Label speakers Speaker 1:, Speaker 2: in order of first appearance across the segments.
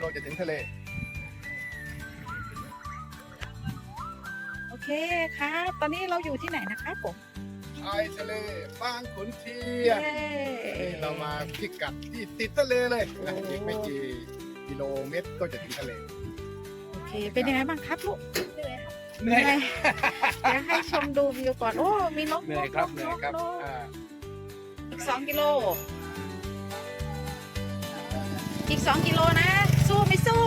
Speaker 1: จะถึงทะเล
Speaker 2: โอเคครับตอนนี้เราอยู่ที่ไหนนะครับผม
Speaker 1: ชายทะเลบางขุนเทียน
Speaker 2: เย้
Speaker 1: นี่เรามาพิกัดที่ติดทะเลเลยนะอีกไม่กี่กิโลเมตรก็จะถึงทะเล
Speaker 2: โอเคเป็นยังไงบ้างครับลูก
Speaker 1: เหนื่อย
Speaker 2: เดี๋ยวให้ชมดูวิวก่อนโอ้มีนก
Speaker 1: เหนื่อยครับเหนื่อยครับ
Speaker 2: นก
Speaker 1: อ่า
Speaker 2: อีก2 กิโลอีก2 กิโลนะ สู้ไม่สู้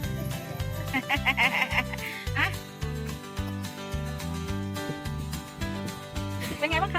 Speaker 2: อะเป็นไงบ้างคะ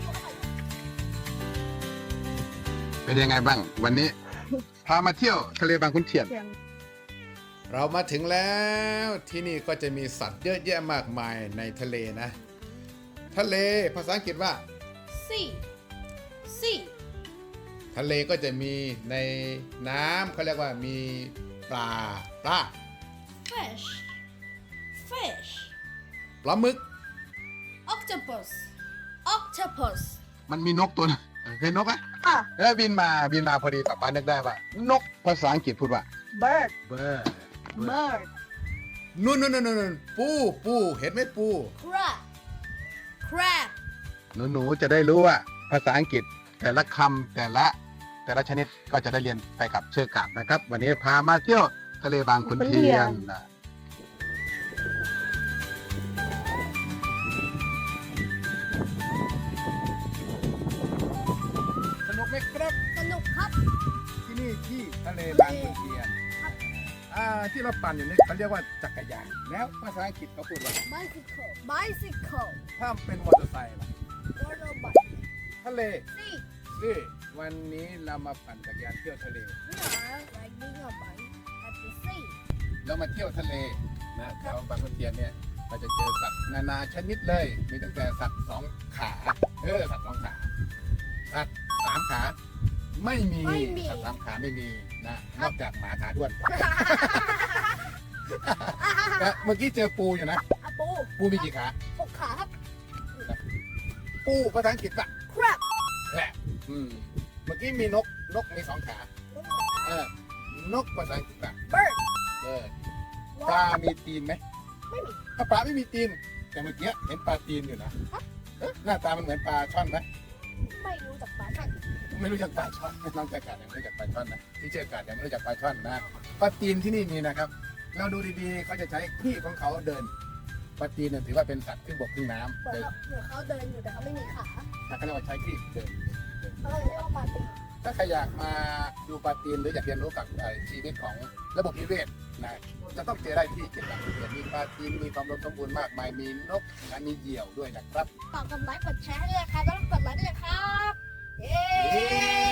Speaker 1: เป็นยังไงบ้างวันนี้ พามาเที่ยวทะเลบางขุนเทียน เรามาถึงแล้วที่นี่ก็จะมีสัตว์เยอะแยะมากมายในทะเลนะ ทะเลภาษาอังกฤษว่า
Speaker 3: Sea. Sea.
Speaker 1: ทะเลก็จะมีในน้ำเขาเรียกว่ามีปลา
Speaker 3: Fish. Fish.
Speaker 1: ปลาหมึก
Speaker 3: Octopus. Octopus.
Speaker 1: มันมีนกตัวนึงเห็นนกไหม
Speaker 2: อ่ะ
Speaker 1: แล้วบินมาพอดีป้านึกได้ว่านกภาษาอังกฤษพูดว่า
Speaker 2: bird
Speaker 1: bird
Speaker 2: bird
Speaker 1: นู่นปูเห็นไหมปู
Speaker 3: Crab. Crab.
Speaker 1: หนูจะได้รู้ว่าภาษาอังกฤษแต่ละคำแต่ละชนิดก็จะได้เรียนไปกับเชือกกาบนะครับ วันนี้พามาเที่ยวทะเลบางขุนเทียนนะสนุกไหมครับ
Speaker 3: สนุกครับ
Speaker 1: ที่นี่ที่ทะเลบางขุนเทียนที่เราปั่นอยู่นี่เขาเรียกว่าจักรยานแล้วภาษาอังกฤษเขาพูดว่า
Speaker 3: Bicycle. Bicycle.
Speaker 1: ถ้าเป็นมอเตอร์ไซค์ล่ะ
Speaker 3: Motorbike.
Speaker 1: ทะเล
Speaker 3: Sea.
Speaker 1: นี่วันนี้เรามาปั่นจักรยานเที่ยวทะเล
Speaker 3: We are riding a bike at the sea.
Speaker 1: เรามาเที่ยวทะเลนะแถวบางขุนเทียนเนี่ยเราจะเจอสัตว์นานาชนิดเลยมีตั้งแต่สัตว์2 ขาสัตว์2 ขาสัตว์3 ขาไม่มีสัตว์3 ขาไม่มีนะนอกจากหมาขาด้วนนะเมื่อกี้เจอปูอยู่นะ
Speaker 3: อะปู
Speaker 1: ปูมีกี่ขา
Speaker 3: 6 ขาครับ
Speaker 1: ปูภาษาอังกฤษอะ
Speaker 3: Crab.
Speaker 1: แหละเมื่อกี้มีนกมี2 ขา นกภาษาอังกฤษอะ
Speaker 3: Bird.
Speaker 1: ปลามีตีนไหม
Speaker 3: ไม่มี
Speaker 1: ถ้าปลาไม่มีตีน แต่เมื่อกี้เห็นปลาตีนอยู่นะหน้าตามันเหมือนปลาช่อนไหม
Speaker 3: ไม่รู้จักปลาช่อน
Speaker 1: ไม่รู้จักปลาช่อนน้องจักรยังไม่รู้จักปลาช่อนนะที่เชื่อกาดยังไม่รู้จักปลาช่อนนะปลาตีนที่นี่มีนะครับ เราดูดีๆเขาจะใช้ขี้ของเขาเดินปลาตีนเนี่ยถือว่าเป็นสัตว์ครึ่งบกครึ่งน้ำ
Speaker 3: เหมือนเขาเดินอยู่แต่เขาไม่มีขา
Speaker 1: ถ้าเขาเรียกว่าใช้ขี้เดิน
Speaker 3: เขาเลยเรียกว่าปลาตี
Speaker 1: ถ้าใครอยากมาดูปลาตีนหรืออยากเรียนรู้กับชีวิตของระบบนิเวศนะจะต้องเจอได้ที่เจ็ดหลักเรียนมีปลาตีนมีความอุดมสมบูรณ์มากมายมีนกและมีเหยี่ยวด้วยนะครับ
Speaker 3: ฝากกดไลค์กดแชร์ให้ด้วยนะครับแล้วกดไลค์ด้วยนะครับ เย้